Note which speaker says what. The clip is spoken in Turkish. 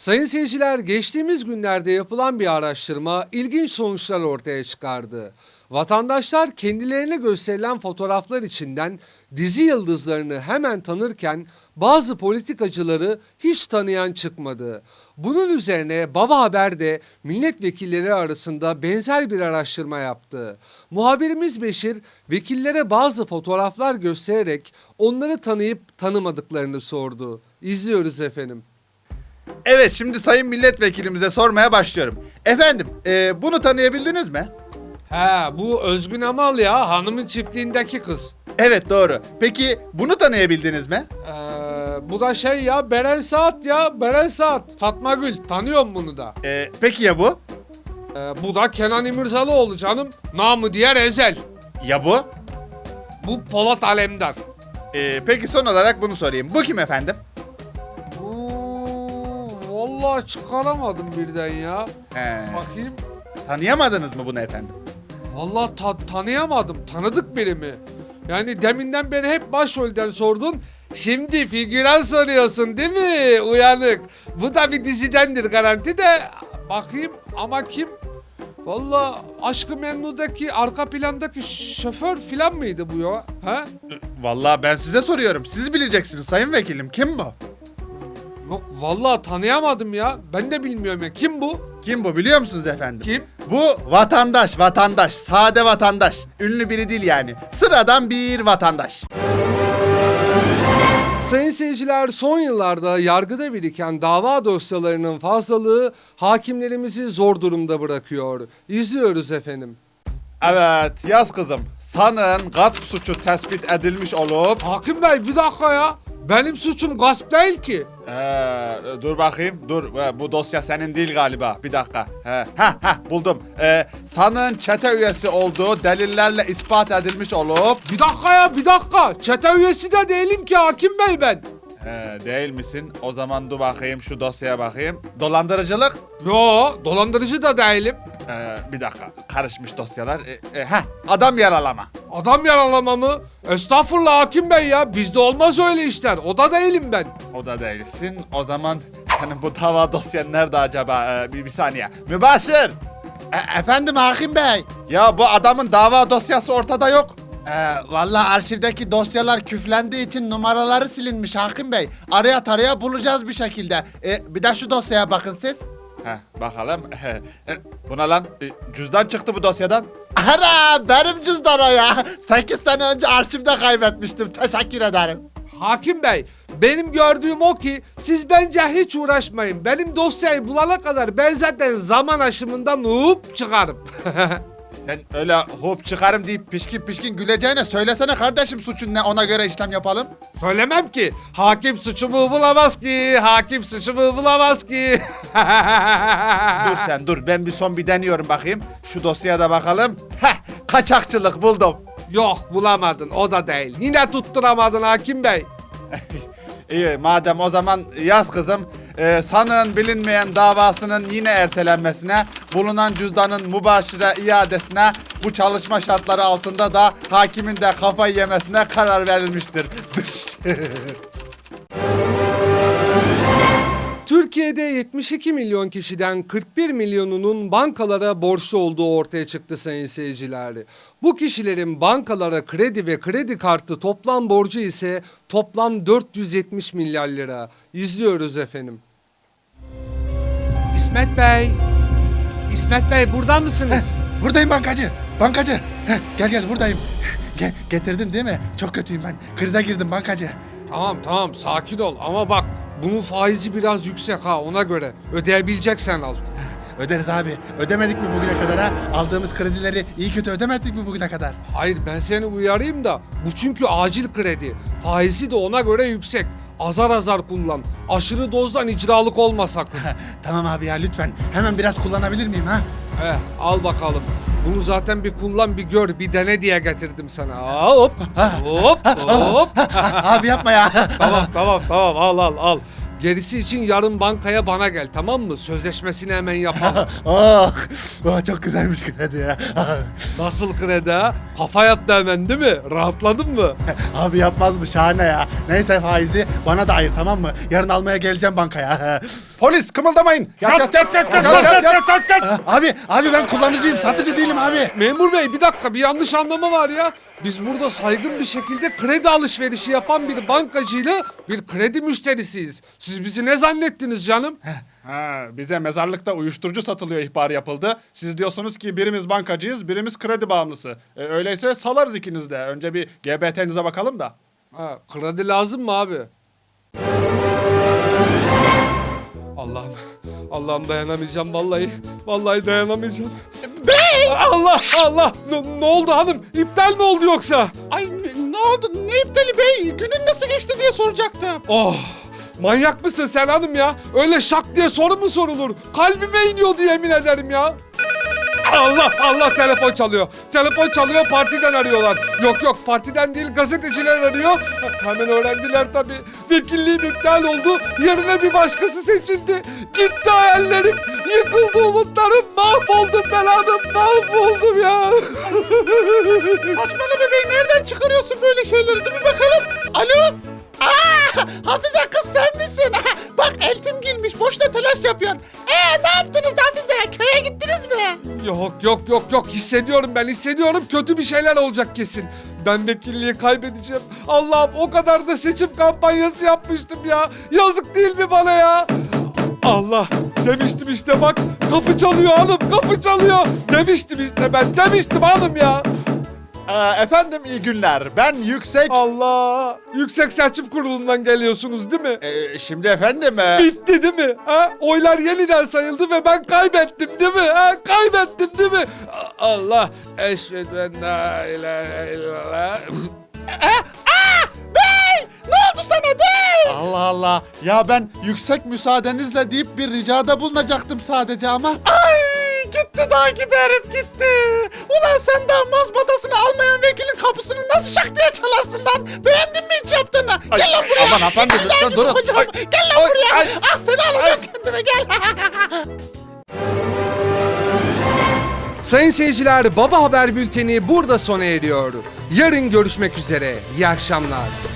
Speaker 1: Sayın seyirciler, geçtiğimiz günlerde yapılan bir araştırma ilginç sonuçlar ortaya çıkardı. Vatandaşlar kendilerine gösterilen fotoğraflar içinden dizi yıldızlarını hemen tanırken bazı politikacıları hiç tanıyan çıkmadı. Bunun üzerine Baba Haber de milletvekilleri arasında benzer bir araştırma yaptı. Muhabirimiz Beşir, vekillere bazı fotoğraflar göstererek onları tanıyıp tanımadıklarını sordu. İzliyoruz efendim.
Speaker 2: Evet, şimdi sayın milletvekilimize sormaya başlıyorum. Efendim, bunu tanıyabildiniz mi?
Speaker 1: He, bu Özgün Amal ya, hanımın çiftliğindeki kız.
Speaker 2: Evet, doğru. Peki bunu tanıyabildiniz mi?
Speaker 1: Bu da şey ya, Beren Saat ya, Beren Saat. Fatma Gül, tanıyorum bunu da.
Speaker 2: Peki ya bu?
Speaker 1: Bu da Kenan İmirzalıoğlu canım, namı diğer Ezel.
Speaker 2: Ya bu?
Speaker 1: Bu Polat Alemdar.
Speaker 2: Peki son olarak bunu sorayım. Bu kim efendim?
Speaker 1: Vallahi çıkaramadım birden ya. Bakayım.
Speaker 2: Tanıyamadınız mı bunu efendim?
Speaker 1: Vallahi tanıyamadım, tanıdık biri mi? Yani deminden beri hep başrolden sordun. Şimdi figüran soruyorsun değil mi? Uyanık. Bu da bir dizidendir garanti de. Bakayım ama kim? Vallahi Aşk-ı Memnu'daki arka plandaki şoför filan mıydı bu ya? Ha?
Speaker 2: Vallahi ben size soruyorum. Siz bileceksiniz sayın vekilim. Kim bu?
Speaker 1: Yok vallahi tanıyamadım ya. Ben de bilmiyorum ya. Kim bu?
Speaker 2: Kim bu biliyor musunuz efendim?
Speaker 1: Kim?
Speaker 2: Bu vatandaş, sade vatandaş. Ünlü biri değil yani. Sıradan bir vatandaş.
Speaker 1: Sayın seyirciler, son yıllarda yargıda biriken dava dosyalarının fazlalığı hakimlerimizi zor durumda bırakıyor. İzliyoruz efendim.
Speaker 2: Evet, yaz kızım. Sanığın gasp suçu tespit edilmiş olup...
Speaker 1: Hakim Bey bir dakika ya. Benim suçum gasp değil ki.
Speaker 2: Dur bakayım, dur. Bu dosya senin değil galiba. Bir dakika. Buldum. Sanığın çete üyesi olduğu delillerle ispat edilmiş olup...
Speaker 1: Bir dakika ya, bir dakika. Çete üyesi de değilim ki Hakim Bey ben.
Speaker 2: Değil misin? O zaman dur bakayım, şu dosyaya bakayım. Dolandırıcılık?
Speaker 1: Yo, dolandırıcı da değilim.
Speaker 2: Bir dakika, karışmış dosyalar. Adam yaralama.
Speaker 1: Adam yaralama mı? Estağfurullah Hakim Bey ya. Bizde olmaz öyle işler. O da değilim ben.
Speaker 2: O da değilsin. O zaman senin bu dava dosyan nerede acaba? Bir saniye. Mübaşir! Efendim Hakim Bey? Ya bu adamın dava dosyası ortada yok. Vallahi arşivdeki dosyalar küflendiği için numaraları silinmiş Hakim Bey. Araya taraya bulacağız bir şekilde. Bir de şu dosyaya bakın siz. Bakalım. Bu ne lan? Cüzdan çıktı bu dosyadan. Ana benim cüzdan o ya. 8 sene önce arşivde kaybetmiştim. Teşekkür ederim.
Speaker 1: Hakim Bey, benim gördüğüm o ki siz bence hiç uğraşmayın. Benim dosyayı bulana kadar ben zaten zaman aşımından hop çıkarım.
Speaker 2: Sen öyle hop çıkarım deyip pişkin pişkin güleceğine söylesene kardeşim suçun ne, ona göre işlem yapalım.
Speaker 1: Söylemem ki. Hakim suçumu bulamaz ki. Hakim suçumu bulamaz ki.
Speaker 2: Dur sen dur, ben bir deniyorum bakayım. Şu dosyaya da bakalım. Kaçakçılık buldum.
Speaker 1: Yok bulamadın, o da değil. Yine tutturamadın Hakim Bey.
Speaker 2: İyi madem o zaman yaz kızım. Sanığın bilinmeyen davasının yine ertelenmesine, bulunan cüzdanın mübaşire iadesine, bu çalışma şartları altında da hakimin de kafayı yemesine karar verilmiştir.
Speaker 1: Türkiye'de 72 milyon kişiden 41 milyonunun bankalara borçlu olduğu ortaya çıktı sayın seyirciler. Bu kişilerin bankalara kredi ve kredi kartı toplam borcu ise toplam 470 milyar lira. İzliyoruz efendim. İsmet Bey. İsmet Bey burada mısınız?
Speaker 2: Buradayım bankacı. Bankacı. Gel buradayım. Getirdin değil mi? Çok kötüyüm ben. Krize girdim bankacı.
Speaker 1: Tamam sakin ol ama bak bunun faizi biraz yüksek ha, ona göre. Ödeyebileceksen al.
Speaker 2: Öderiz abi. Ödemedik mi bugüne kadar ha? Aldığımız kredileri iyi kötü ödemedik mi bugüne kadar?
Speaker 1: Hayır, ben seni uyarayım da bu çünkü acil kredi. Faizi de ona göre yüksek. Azar azar kullan. Aşırı dozdan icralık olma sakın.
Speaker 2: Tamam abi ya, lütfen. Hemen biraz kullanabilir miyim ha?
Speaker 1: Al bakalım. Bunu zaten bir kullan, bir gör, bir dene diye getirdim sana. Hop.
Speaker 2: Abi yapma ya.
Speaker 1: Tamam al. Gerisi için yarın bankaya bana gel, tamam mı? Sözleşmesini hemen yapalım.
Speaker 2: Çok güzelmiş kredi ya.
Speaker 1: Nasıl kredi ha? Kafa yaptı hemen değil mi? Rahatladın mı?
Speaker 2: Abi yapmaz mı, şahane ya. Neyse faizi bana da ayır, tamam mı? Yarın almaya geleceğim bankaya. Polis kımıldamayın. Yat. Abi ben kullanıcıyım, satıcı değilim abi.
Speaker 1: Memur bey bir dakika, bir yanlış anlama var ya. Biz burada saygın bir şekilde kredi alışverişi yapan bir bankacıyla bir kredi müşterisiyiz. Siz bizi ne zannettiniz canım?
Speaker 2: Bize mezarlıkta uyuşturucu satılıyor ihbar yapıldı. Siz diyorsunuz ki birimiz bankacıyız, birimiz kredi bağımlısı. Öyleyse salarız ikiniz de. Önce bir GBT'nize bakalım da.
Speaker 1: Ha, kredi lazım mı abi? Allah'ım dayanamayacağım vallahi. Vallahi dayanamayacağım.
Speaker 2: Bey!
Speaker 1: Allah! Ne oldu hanım? İptal mi oldu yoksa?
Speaker 2: Ay ne oldu? Ne iptali bey? Günün nasıl geçti diye soracaktım.
Speaker 1: Oh! Manyak mısın sen hanım ya? Öyle şak diye soru mu sorulur? Kalbime iniyordu yemin ederim ya. Allah telefon çalıyor. Telefon çalıyor, partiden arıyorlar. Yok partiden değil, gazeteciler arıyor. Hemen öğrendiler tabii. Vekilliğim iptal oldu. Yerine bir başkası seçildi. Gitti hayallerim. Yıkıldı umutlarım. Mahvoldum ben hanım. Mahvoldum ya.
Speaker 2: Saçmalama bey, nereden çıkarıyorsun böyle şeyleri? Dur bir bakalım. Alo? Hafize kız sen misin? Bak eltim girmiş, boşuna telaş yapıyorsun. Ne yaptınız Hafize? Köye gittiniz mi?
Speaker 1: Yok. Hissediyorum. Kötü bir şeyler olacak kesin. Ben vekilliği kaybedeceğim. Allah'ım, o kadar da seçim kampanyası yapmıştım ya. Yazık değil mi bana ya? Allah, demiştim işte bak. Kapı çalıyor hanım, kapı çalıyor. Demiştim hanım ya.
Speaker 2: Efendim iyi günler. Ben Yüksek...
Speaker 1: Allah, Yüksek Seçim Kurulu'ndan geliyorsunuz değil mi?
Speaker 2: Şimdi efendim...
Speaker 1: Bitti değil mi? Ha? Oylar yeniden sayıldı ve ben kaybettim değil mi? Ha? Kaybettim değil mi? Allah, eşhedü en la ilahe illallah.
Speaker 2: Bey! Ne oldu sana bey? Allah Allah. Ya ben yüksek müsaadenizle deyip bir ricada bulunacaktım sadece ama. Ay gitti dağ gibi herif gitti. Ulan sen daha mazbatasını almayan vekilin kapısını nasıl şak diye çalarsın lan? Beğendin mi hiç yaptığını? Gel lan buraya. Aman efendim lütfen durun. Gel lan buraya. Seni alacağım kendime gel.
Speaker 1: Sayın seyirciler, Baba Haber Bülteni burada sona eriyor. Yarın görüşmek üzere. İyi akşamlar.